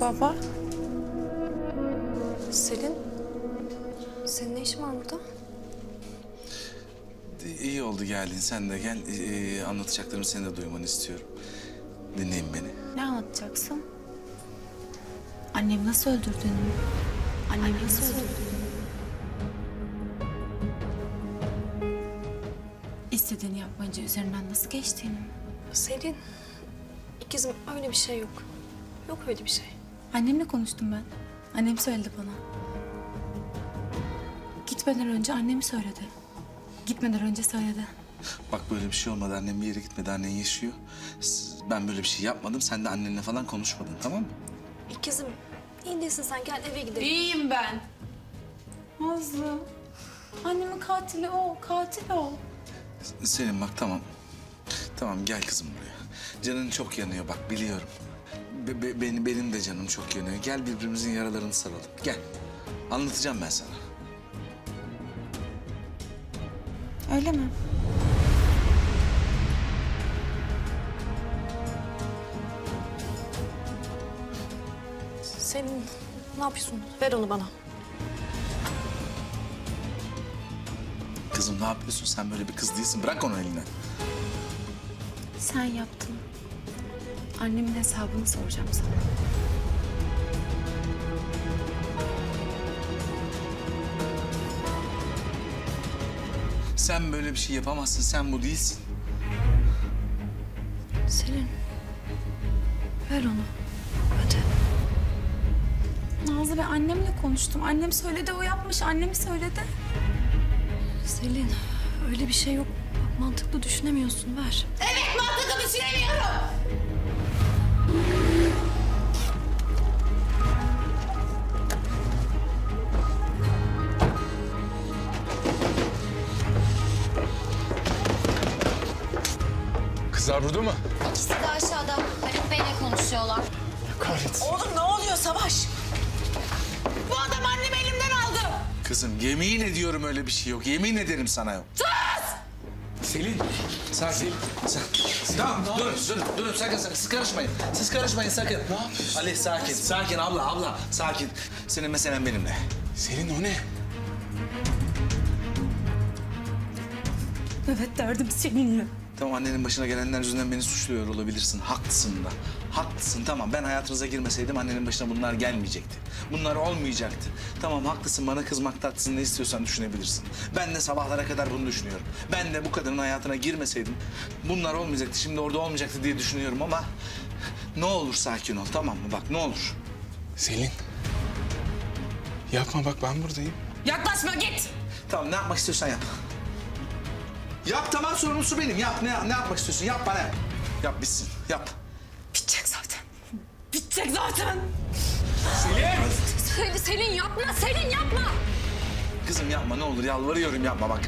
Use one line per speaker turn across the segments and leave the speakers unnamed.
Baba.
Selin, senin ne işin var burada?
İyi oldu geldin. Sen de gel. Anlatacaklarımı senin de duymanı istiyorum. Dinleyin beni.
Ne anlatacaksın? Annemi nasıl öldürdüğünü. Annemi nasıl öldürdüğünü. İstediğini yapmayınca üzerinden nasıl geçtiğini.
Selin, ikizim öyle bir şey yok. Yok öyle bir şey.
Annemle konuştum ben. Annem söyledi bana. Gitmeden önce annemi söyledi. Gitmeden önce söyledi.
Bak böyle bir şey olmadı. Annem bir yere gitmedi. Annen yaşıyor. Ben böyle bir şey yapmadım. Sen de annenle falan konuşmadın, tamam mı?
İkizim, iyi değilsin sen, gel eve gidelim.
İyiyim ben. Nazlı. Annemin katili o, katil o.
Selim bak tamam. Tamam gel kızım buraya. Canın çok yanıyor bak biliyorum. Benim de canım çok yanıyor. Gel birbirimizin yaralarını saralım. Gel. Anlatacağım ben sana.
Öyle mi?
Selin, ne yapıyorsun? Ver onu bana.
Kızım ne yapıyorsun? Sen böyle bir kız değilsin. Bırak onu elinden.
Sen yaptın. Annemin hesabını soracağım sana.
Sen böyle bir şey yapamazsın. Sen bu değilsin.
Selin, ver onu. Hadi.
Nazlı, ben annemle konuştum. Annem söyledi, o yapmış. Annemi söyledi.
Selin, öyle bir şey yok. Bak, mantıklı düşünemiyorsun, ver.
Evet, mantıklı düşünemiyorum.
Kızlar burada mı?
İkisi de aşağıda. Haluk Bey'le konuşuyorlar.
Kahretsin.
Oğlum ne oluyor Savaş? Bu adam annemi elimden aldı.
Kızım yemin ediyorum öyle bir şey yok. Yemin ederim sana yok.
Selin.
Sakin. Tamam durun sakın. Siz karışmayın. Siz karışmayın sakın.
Ne yapıyorsun?
Ali sakin. Sakin abla sakin. Senin meselen benimle.
Selin o ne?
Evet, derdim seninle.
Tamam annenin başına gelenler yüzünden beni suçluyor olabilirsin. Haklısın da. Haklısın tamam ben hayatınıza girmeseydim annenin başına bunlar gelmeyecekti. Bunlar olmayacaktı. Tamam haklısın bana kızmakta haklısın ne istiyorsan düşünebilirsin. Ben de sabahlara kadar bunu düşünüyorum. Ben de bu kadının hayatına girmeseydim bunlar olmayacaktı. Şimdi orada olmayacaktı diye düşünüyorum ama ne olur sakin ol tamam mı bak ne olur.
Selin. Yapma bak ben buradayım.
Yaklaşma git.
Tamam ne yapmak istiyorsan yap. Yap tamam sorumlusu benim. Yap ne yapmak istiyorsun yap bana. Yap bitsin yap.
Bitecek zaten. Bitecek zaten.
Selin yapma, Selin yapma.
Kızım yapma ne olur yalvarıyorum yapma bak.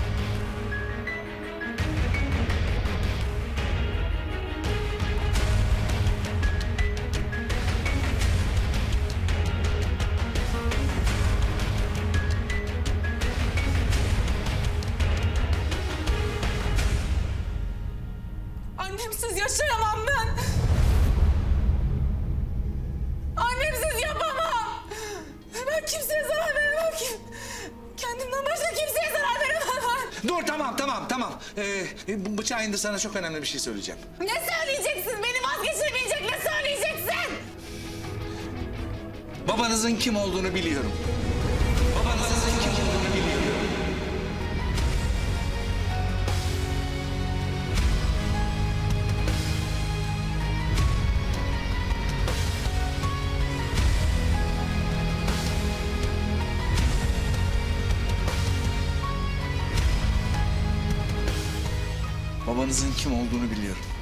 Annemsiz yaşayamam ben. Annemsiz yapamam. Ben kimseye zarar veremem ki. Kendimden başka kimseye zarar veremem.
Dur tamam. Bu bıçağı indir sana çok önemli bir şey söyleyeceğim.
Ne söyleyeceksin? Beni vazgeçirmeyecek ne söyleyeceksin?
Babanızın kim olduğunu biliyorum. Babanızın kim olduğunu biliyorum. Babanızın kim olduğunu biliyorum.